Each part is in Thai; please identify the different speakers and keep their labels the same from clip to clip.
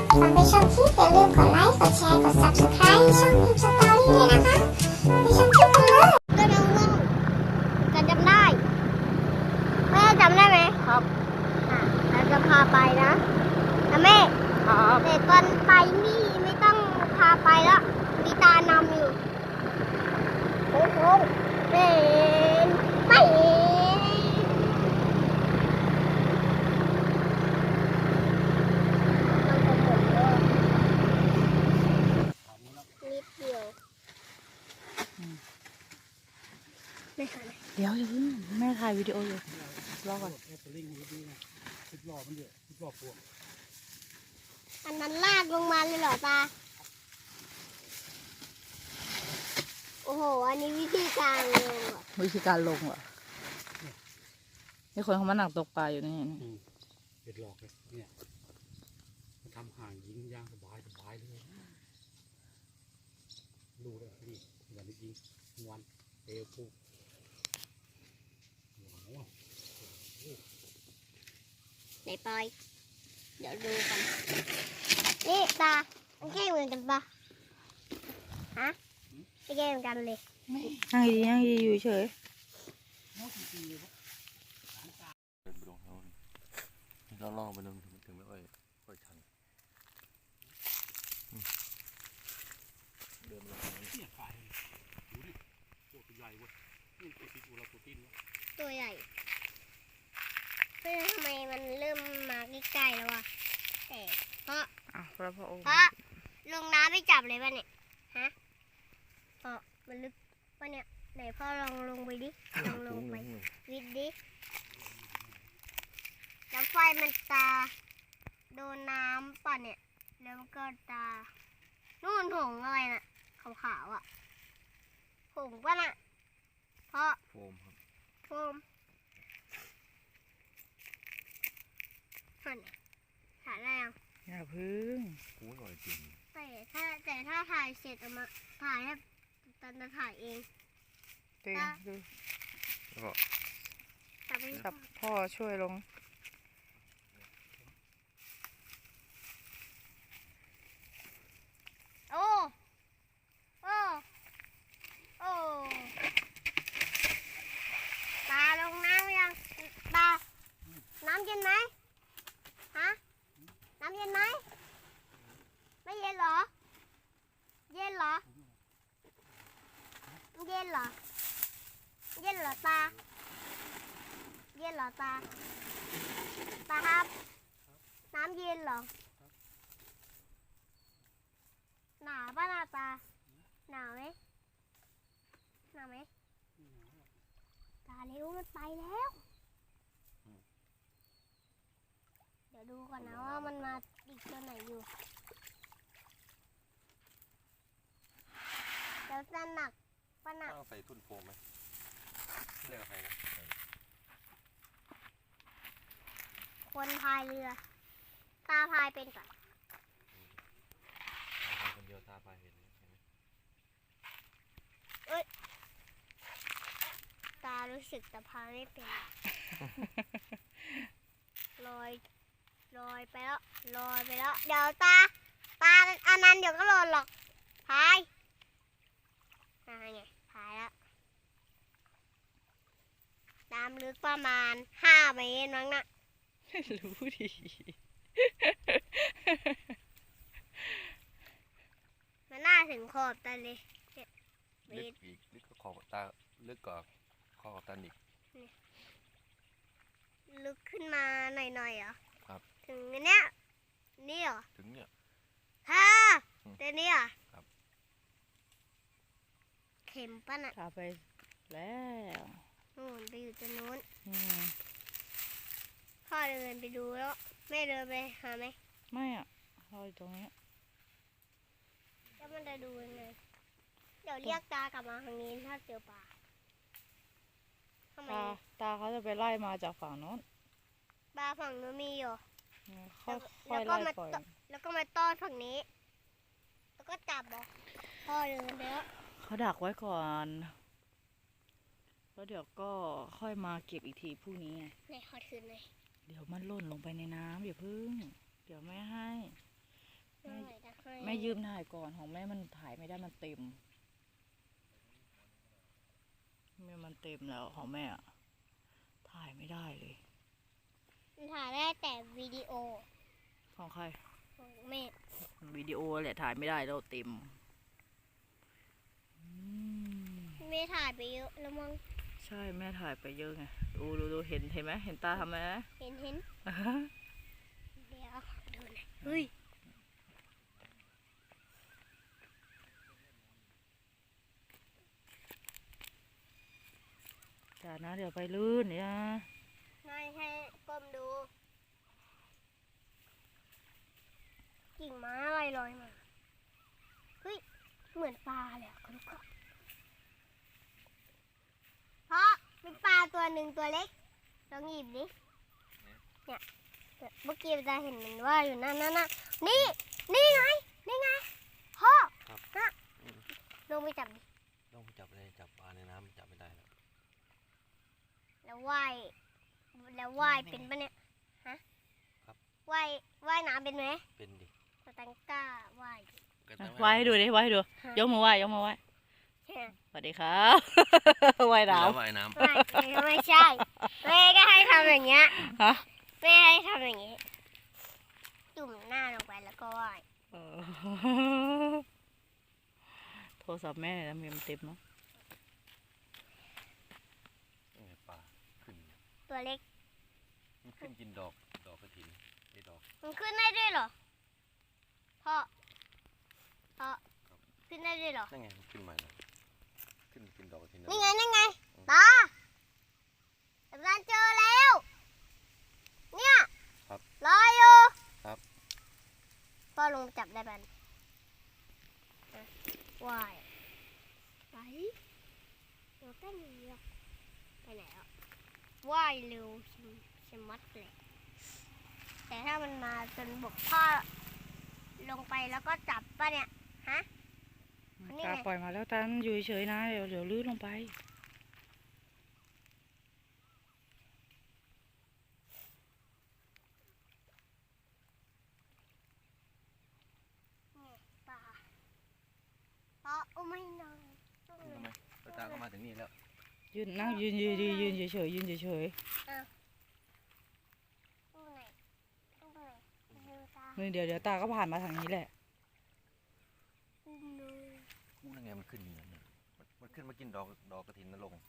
Speaker 1: ก่อนไปชมคลิปอย่าลืมกดไลค์กดแชร์กด Subscribe ช่องพิมพ์สตอรี่ด้วยนะคะไปชมคลิปกันเลยก็น้องๆจะจำได้แม่จำได้ไหมครับเราจะพาไปนะแม่ครับแต่ตอนไปนี่ไม่ต้องพาไปแล้วมีตานำอยู่โอ้โหเป็นไปนิดเดียวไม่ทัน
Speaker 2: เดี๋ยวอย่าเพิ่งแม่ถ่ายวิดีโออยู่รอก่อน
Speaker 1: อันนั้นลากลงมาเลยเหรอตาโอ้โหอันนี้วิธีการลงเหรอ
Speaker 2: วิธีการลงเหรอนี่คนเขามาหนักตกปลาอยู่นี่
Speaker 3: เห็ดหลอกเลยเนี่ยมันทำห่างยิงย่างสบายเลยดูเลยนี่อย่างนี้ยิงวันเอวปู
Speaker 1: ไหนปอยเดี๋ยวดูกันนี่ตามันแค่เหมือนกันปะฮะไม่แค่เหมือนกันเลย
Speaker 2: นั่งดีนั่งดีอยู่เฉย
Speaker 4: เดินไปลงเขาเราล่อไปลงถึงไม่ค่อยชันเดินลง
Speaker 3: เนี่ยฝ่ายดูดิตัวใหญ่เว้ยนี่ตัวที่เราตัวตีน
Speaker 1: ตัวใหญ่เพื่อทำไมมันเริ่มมาใกล้ๆแล้ววะแต่เพราะลงน้ำไม่จับเลยป่ะเนี่ยฮะเพราะมันลึกป่ะเนี่ยไหนพ่อลองลงไปดิลองลงไปวิดดิแล้วไฟมันตาโดนน้ำป่ะเนี่ยแล้วมันก็ตานู่นผงอะไรน่ะขาวๆอ่ะผงป่ะน่ะเพราะ
Speaker 4: โฟมครับ
Speaker 1: โฟมถ่ายอะไรอ่ะ
Speaker 2: อย่าพึ่ง
Speaker 4: กูหน่อยจริง
Speaker 1: แต่ถ้าถ่ายเสร็จเอามาถ่ายให้ตอนจะถ่ายเอง
Speaker 2: ดึงดู
Speaker 4: แล้วก็
Speaker 2: จับพ่อช่วยลง
Speaker 1: โอ้โอ้โอ้ตาลงน้ำยังตาน้ำเย็นไหมฮะน้ำเย็นไหมไม่เย็นเหรอเย็นเหรอเย็นเหรอเย็นเหรอตาเย็นเหรอตาตาครับน้ำเย็นเหรอหนาวป่ะนาตาหนาวไหมหนาวไหมตาเร็วมันไปแล้วเดี๋ยวดูก่อนนะว่ามันมาอีกตัวไหนอยู่เดี๋ยวจะหนักป่ะหนัก
Speaker 4: ต้องใส่ทุ่นโฟมไหมเรียกใครนะ
Speaker 1: คนพายเรือตาพายเป็นก่อน
Speaker 4: คนเดียวตาไปเห็นไหม
Speaker 1: ตารู้สึกแต่พายไม่เป็นลอยไปแล้วเดี๋ยวตาอันนั้นเดี๋ยวก็หล่นหรอกพายไงพายแล้วน้ำลึกประมาณ5 เมตรมั้งนะ
Speaker 2: รู้ดี
Speaker 1: มันน่าถึงขอบตาเลย
Speaker 4: ลึกอีกลึกก็ขอบตาลึกกว่าขอบตาอีก
Speaker 1: ลึกขึ้นมาหน่อยเหรอ
Speaker 4: ครับ
Speaker 1: ถึงเนี้ยนี่เหรอ
Speaker 4: ถึงเนี่ย
Speaker 1: ฮะแต่นี่เหรอ
Speaker 4: ครับ
Speaker 1: เข็มป่ะน่ะ
Speaker 2: พาไปแล้ว
Speaker 1: นู่นไปอยู่ตรงนู้นพ่อเดินไปดูแล้วแม่เดินไปหาไหม
Speaker 2: ไม่อ่ะเราอยู่ตรงนี้
Speaker 1: แล้วมันจะดูยังไงเดี๋ยวเรียกตากลับมาทางนี้ถ้าเจอปลา
Speaker 2: ตาเขาจะไปไล่มาจากฝั่งโน้น
Speaker 1: ปลาฝั่งนู้นมีอยู่
Speaker 2: ค่อยไล่ปล่อย
Speaker 1: แล้วก็มาต้อนฝั่งนี้แล้วก็จับบอกพ่อเดินไปแล้ว
Speaker 2: เขาดักไว้ก่อนแล้วเดี๋ยวก็ค่อยมาเก็บอีกทีพรุ่งนี้ไง
Speaker 1: ไหนขอถือหน่อย
Speaker 2: เดี๋ยวมันหล่นลงไปในน้ำอย่าพึ่งเดี๋ยวไม่ให้ม่ยืมถ่ายก่อนของแม่มันถ่ายไม่ได้มันเต็มมันเต็มแล้วของแม่อะถ่ายไม่ได้เลย
Speaker 1: ถ่ายได้แต่วิดีโอ
Speaker 2: ของใคร
Speaker 1: ของแม่
Speaker 2: วิดีโอแหละถ่ายไม่ได้แล้วเต็ม
Speaker 1: แม่ถ่ายไปเยอะแล้วมั้ง
Speaker 2: ใช่แม่ถ่ายไปเยอะไงดูเห็นไหมเห็นตาทำไหม
Speaker 1: เห็นเดี๋ยวดูหน่อยเฮ้ย
Speaker 2: อย่านะเดี๋ยวไปลื่นเนี่ย
Speaker 1: ไม่ให้ก้มดูกิ่งไม้อะไรลอยมาเฮ้ยเหมือนปลาเลยคุณก็เพราะมีปลาตัวหนึ่งตัวเล็กลองหยิบดิเนี่ยเมื่อกี้จะเห็นมันว่าอยู่นั่นน่ะนี่ไงพ่อน่ะลงไปจับดิ
Speaker 4: ต้องจับเลยจับปลาในน้ำจับไม่ได้แล้ว
Speaker 1: แล้วว่ายเป็นปะเนี่ยฮะว่ายน้ำเป็นไหม
Speaker 4: เป็นดิ
Speaker 1: สตังก้าว่าย
Speaker 2: ไหว้ให้ดูดิไหว้ให้ดูยกมือไหว้สวัสดีครับ ไหว้น้ำ
Speaker 4: ว่ายน้ำ
Speaker 1: ไม่ใช่แม่ก็ให้ทำอย่างเงี้ย
Speaker 2: ฮะ
Speaker 1: แม่ให้ทำอย่างเงี้ยจุ่มหน้าลงไปแล้วก็ว่าย
Speaker 2: โทรศัพท์แม่แล้วมันเต็มเนาะ
Speaker 4: ปลาขึ้น
Speaker 1: ตัวเล็ก
Speaker 4: มันขึ้นกินดอกกระถินไอ้ดอก
Speaker 1: มันขึ้นได้ด้วยเหรอพ่อขึ้นได้ด้วยเหรอ
Speaker 4: นั่นไงมันขึ้นมาแล้วขึ้นกินดอกกระถิน
Speaker 1: นี่ไงตาอาจารย์เจอแล้วเนี่ยรออยู่พ่อลงจับได้ปันว่ายไปเดี๋ยวเต้นอย่างเดียวไปไหนอ่ะว่ายเร็วชะมัดเลยแต่ถ้ามันมาจนบกพ่อลงไปแล้วก็จับป่ะเนี่ยฮะ นี่
Speaker 2: ตา
Speaker 1: ไง
Speaker 2: ปล่อยมาแล้วตันอยู่เฉยๆนะเดี๋ยวลื่นลงไป
Speaker 1: ปลาโอ้ไม่นอน
Speaker 4: ทำไมตาก็มาถึงนี่แล้ว
Speaker 2: ยืนนั่งยืนเฉยๆ
Speaker 1: ตู้ไหนดูตา
Speaker 2: นี่เดี๋ยวตาก็ผ่านมาทางนี้แหละ
Speaker 1: อุ้มเลย
Speaker 4: นั่นไงมันขึ้นอย่างนี้มันขึ้นมากินดอกกระถินนรง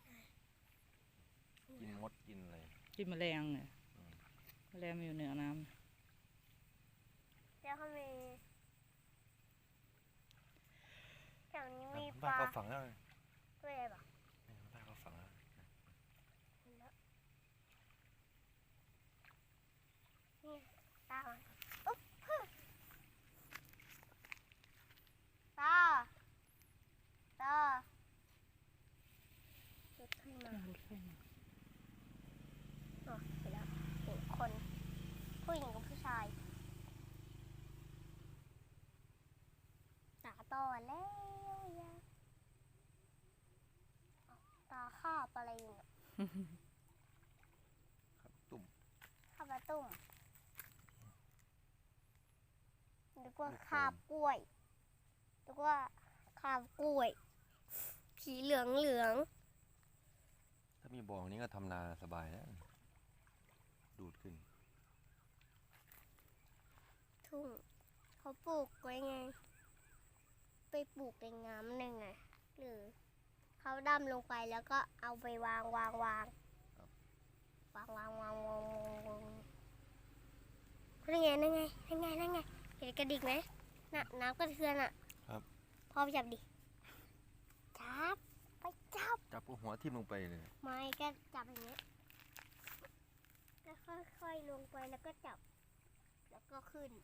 Speaker 4: กินมดกินอะไร
Speaker 2: กินแมลงเนี่ยแมลงมันอยู่เหนือน้
Speaker 1: แล้วเขามีแถวนี้มีป
Speaker 4: บ้าน
Speaker 1: ลา
Speaker 4: เขาฝังแล้ว
Speaker 1: ด้วยอะไรบ้าง
Speaker 4: บ้านเขาฝังแล้ว
Speaker 1: นี่ตาอุ๊บตารถขึ้นมา
Speaker 2: ำรถไฟมา
Speaker 1: อ๋อไปแล้วเห็นคนผู้หญิงกับผู้ชายตาต่อแล้วยาตาคาบอะไรอยู่เนี่ย
Speaker 4: ครับตุ่ม
Speaker 1: คาบปลาตุ่มนึกว่าคาบกล้วยนึกว่าคาบกล้วยสีเหลือง
Speaker 4: ถ้ามีบ่อนี้ก็ทำนาสบายแล้วดูดขึ้น
Speaker 1: ทุ่งเขาปลูกไว้ไงไปปลูกในน้ำหนึ่งไงหรือเขาดำลงไปแล้วก็เอาไปวางนั่นไงเห็นกระดิกไหมน่ะน้ำกระเทือนอ่ะ
Speaker 4: ครับ
Speaker 1: พ่อไปจับดิจับไปจับ
Speaker 4: จับหัวทิ่มลงไปเลย
Speaker 1: ไม่ก็จับอย่างเงี้ยแล้วค่อยๆลงไปแล้วก็จับแล้วก็ขึ้น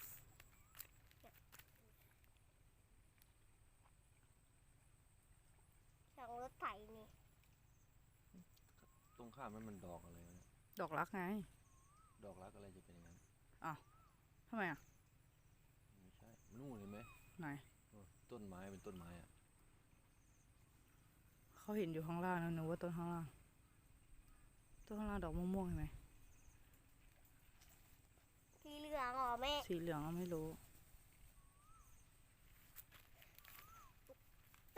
Speaker 1: สั่งรถไถนี่
Speaker 4: ตรงข้ามมันดอกอะไรวะเนี่ย
Speaker 2: ดอกรักไง
Speaker 4: ดอกรักอะไรจะเป็นอย่างนั้น
Speaker 2: ทำไมอ่ะ
Speaker 4: ไม่ใช่นู่นเห็นไหม
Speaker 2: ไหน
Speaker 4: ต้นไม้เป็นต้นไม้อะ
Speaker 2: เขาเห็นอยู่ข้างล่างนะหนูว่าต้นข้างล่างดอกม่วงๆเห็นไหม
Speaker 1: สีเหลืองเหรอแม่
Speaker 2: สีเหลืองเราไม่รู้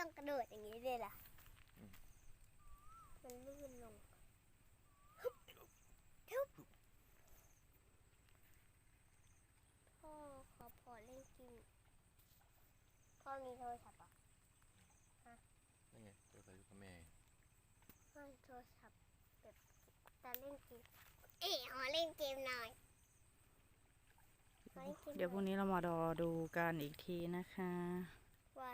Speaker 1: ต้องกระโดดอย่างนี้เลยล่ะมันลื่นลงพ่อขอเล่นเกมพ่อมีโทรศัพท์อ่ะ
Speaker 4: นั่นไงเจอไปกับแม่
Speaker 1: พ่อมีโทรศัพท์แบบจะเล่นเกมขอเล่นเกมหน่อยขอล่นกมหน่อ
Speaker 2: เดี๋ยวพรุ่งนี้เรามารอดูกันอีกทีนะคะ